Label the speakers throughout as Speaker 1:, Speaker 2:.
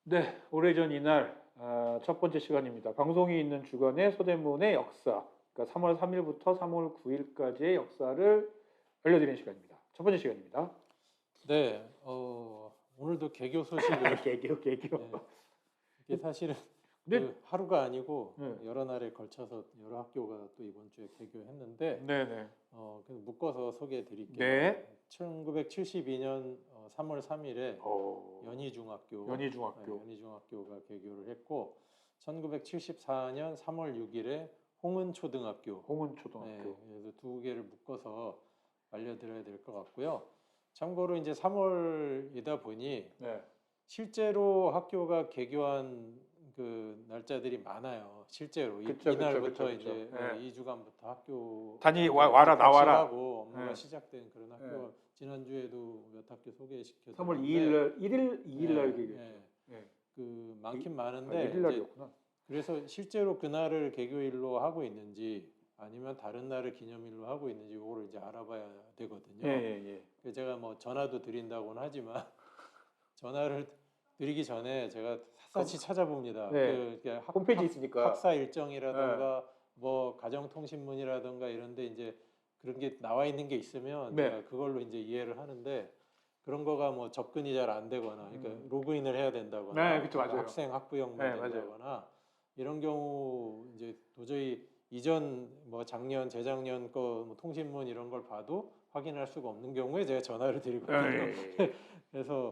Speaker 1: 네, 오래전 이날 첫 번째 시간입니다. 방송이 있는 주간의 서대문의 역사, 그러니까 3월 3일부터 3월 9일까지의 역사를 알려드리는 시간입니다. 첫 번째 시간입니다.
Speaker 2: 네, 오늘도 개교 소식을
Speaker 1: 개교.
Speaker 2: 네, 이게 사실은
Speaker 1: 근데
Speaker 2: 그 하루가 아니고
Speaker 1: 네.
Speaker 2: 여러 날에 걸쳐서 여러 학교가 또 이번 주에 개교했는데
Speaker 1: 네네.
Speaker 2: 그래서 묶어서 소개해 드릴게요.
Speaker 1: 네.
Speaker 2: 1972년 3월 3일에 연희중학교,
Speaker 1: 연희중학교.
Speaker 2: 연희중학교가 개교를 했고 1974년 3월 6일에 홍은초등학교,
Speaker 1: 홍은초등학교.
Speaker 2: 그래서 두 개를 묶어서 알려드려야 될 것 같고요. 참고로 이제 3월이다 보니
Speaker 1: 네.
Speaker 2: 실제로 학교가 개교한 그 날짜들이 많아요. 실제로
Speaker 1: 그쵸,
Speaker 2: 이날부터
Speaker 1: 그쵸.
Speaker 2: 이제
Speaker 1: 네.
Speaker 2: 2주간부터 학교
Speaker 1: 와라 나와라
Speaker 2: 하고 업무가
Speaker 1: 네.
Speaker 2: 시작된 그런 학교. 지난주에도 몇 학교 소개시켜
Speaker 1: 3월
Speaker 2: 드렸는데
Speaker 1: 2일 날 개교했죠. 네.
Speaker 2: 그 많긴 많은데
Speaker 1: 1일 날이었구나.
Speaker 2: 그래서 실제로 그날을 개교일로 하고 있는지 아니면 다른 날을 기념일로 하고 있는지 이거를 이제 알아봐야 되거든요. 그래서 제가 뭐 전화도 드린다고는 하지만 전화를 드리기 전에 제가 샅샅이 찾아봅니다.
Speaker 1: 네.
Speaker 2: 그
Speaker 1: 홈페이지 있으니까.
Speaker 2: 학사 일정이라든가 뭐 가정통신문이라든가 이런데 이제 그런 게 나와 있는 게 있으면
Speaker 1: 네.
Speaker 2: 제가 그걸로 이제 이해를 하는데 그런 거가 뭐 접근이 잘 안 되거나 그러니까 로그인을 해야 된다거나
Speaker 1: 네, 그쵸, 맞아요.
Speaker 2: 학생 학부형만
Speaker 1: 네, 맞아요.
Speaker 2: 된다거나 이런 경우 이제 도저히 이전 뭐 작년 재작년 거 뭐 통신문 이런 걸 봐도 확인할 수가 없는 경우에 제가 전화를 드리거든요. 그래서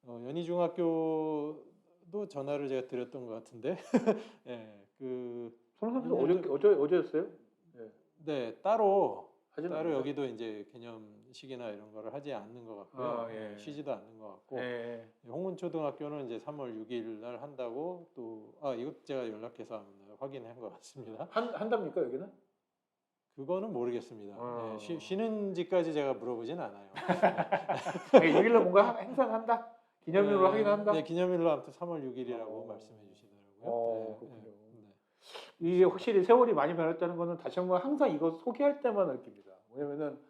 Speaker 2: 연희중학교도 전화를 제가 드렸던 것 같은데, 예,
Speaker 1: 선생님 어제였어요?
Speaker 2: 네, 따로
Speaker 1: 하지는 않나요?
Speaker 2: 여기도 이제 기념식이나 이런 거를 하지 않는 것 같고요. 쉬지도 않는 것 같고, 홍은초등학교는 이제 3월 6일 날 한다고 또 이거 제가 연락해서 확인한 것 같습니다.
Speaker 1: 한답니까 여기는?
Speaker 2: 그거는 모르겠습니다. 쉬는지까지 제가 물어보진 않아요.
Speaker 1: 6일날 뭔가 행사를 한다? 기념일로 하긴 한다?
Speaker 2: 네, 기념일로 아무튼 3월 6일이라고 말씀해 주시더라고요.
Speaker 1: 그렇군요. 이게 확실히 세월이 많이 변했다는 거는 다시 한번 항상 이거 소개할 때만 느낍니다. 왜냐면은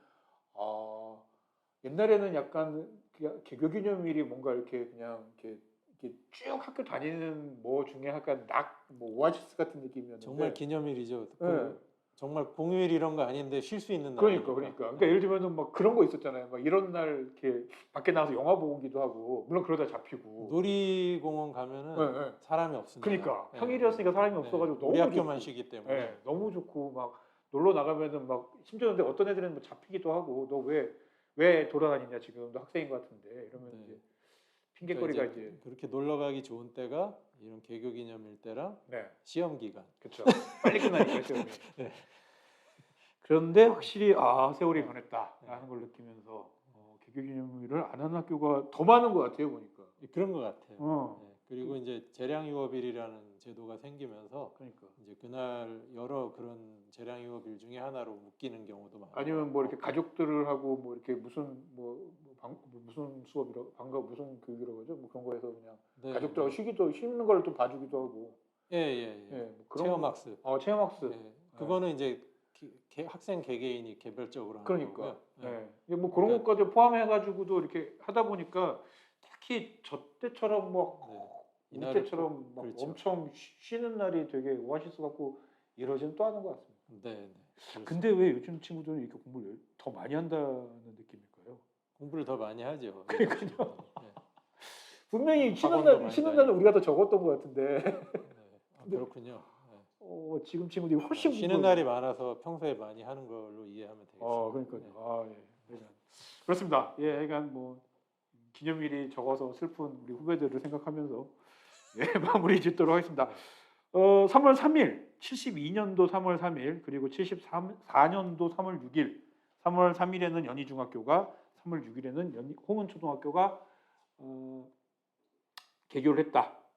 Speaker 1: 옛날에는 약간 개교 기념일이 뭔가 이렇게 그냥 이렇게 쭉 학교 다니는 뭐 중에 약간 뭐 오아시스 같은 느낌이었는데
Speaker 2: 정말 기념일이죠.
Speaker 1: 네.
Speaker 2: 정말 공휴일 이런 거 아닌데 쉴 수 있는 날.
Speaker 1: 그러니까 예를 들면은 막 그런 거 있었잖아요. 막 이런 날 이렇게 밖에 나가서 영화 보고 오기도 하고 물론 그러다 잡히고.
Speaker 2: 놀이공원 가면은 사람이 없습니다.
Speaker 1: 그러니까 평일이었으니까 사람이 없어가지고 너무
Speaker 2: 우리 학교만
Speaker 1: 좋고.
Speaker 2: 쉬기 때문에
Speaker 1: 너무 좋고 막 놀러 나가면은 막 심지어 근데 어떤 애들은 뭐 잡히기도 하고 너 왜 돌아다니냐 지금 너 학생인 것 같은데 이러면 이제 핑계거리가
Speaker 2: 그러니까 이제 그렇게 놀러 가기 좋은 때가 이런 개교 기념일 때랑 시험 기간.
Speaker 1: 그렇죠. 빨리 끝나니까 시험이. 그런데 확실히 세월이 변했다라는 걸 느끼면서 개교 기념일을 안 하는 학교가 더 많은 것 같아요 보니까.
Speaker 2: 그런 것 같아요. 그리고 이제 재량유업일이라는 제도가 생기면서 이제 그날 여러 그런 재량유업일 중에 하나로 묶이는 경우도 많아요.
Speaker 1: 아니면 뭐 이렇게 가족들을 하고 뭐 이렇게 무슨 무슨 수업이라고 무슨 교육이라고 하죠? 뭐 그런 거에서 그냥 가족들하고 쉬는 걸 또 봐주기도 하고.
Speaker 2: 뭐 체험학습.
Speaker 1: 체험학습.
Speaker 2: 그거는 이제 학생 개개인이 개별적으로 하는
Speaker 1: 그러니까.
Speaker 2: 거고요.
Speaker 1: 뭐 그런 것까지 포함해가지고도 이렇게 하다 보니까 특히 저 때처럼 우리 때처럼 막 엄청 쉬는 날이 되게 오아시스 같고 이러지는 또 않은 것 같습니다. 근데 왜 요즘 친구들은 이렇게 공부를 더 많이 한다는 느낌일까요?
Speaker 2: 공부를 더 많이 하죠.
Speaker 1: 그러니까요. 분명히 쉬는 날은 우리가 더 적었던 것 같은데.
Speaker 2: 그렇군요.
Speaker 1: 지금 친구들이 훨씬
Speaker 2: 쉬는 날이 많아서 평소에 많이 하는 걸로 이해하면 되겠습니다.
Speaker 1: 그러니까요. 그렇습니다. 하여간 뭐 기념일이 적어서 슬픈 우리 후배들을 생각하면서 마무리 짓도록 하겠습니다. 3월 3일, 72년도 3월 3일, 그리고 74년도 3월 6일, 3월 3일에는 연희중학교가, 3월 6일에는 홍은초등학교가 개교를 했다.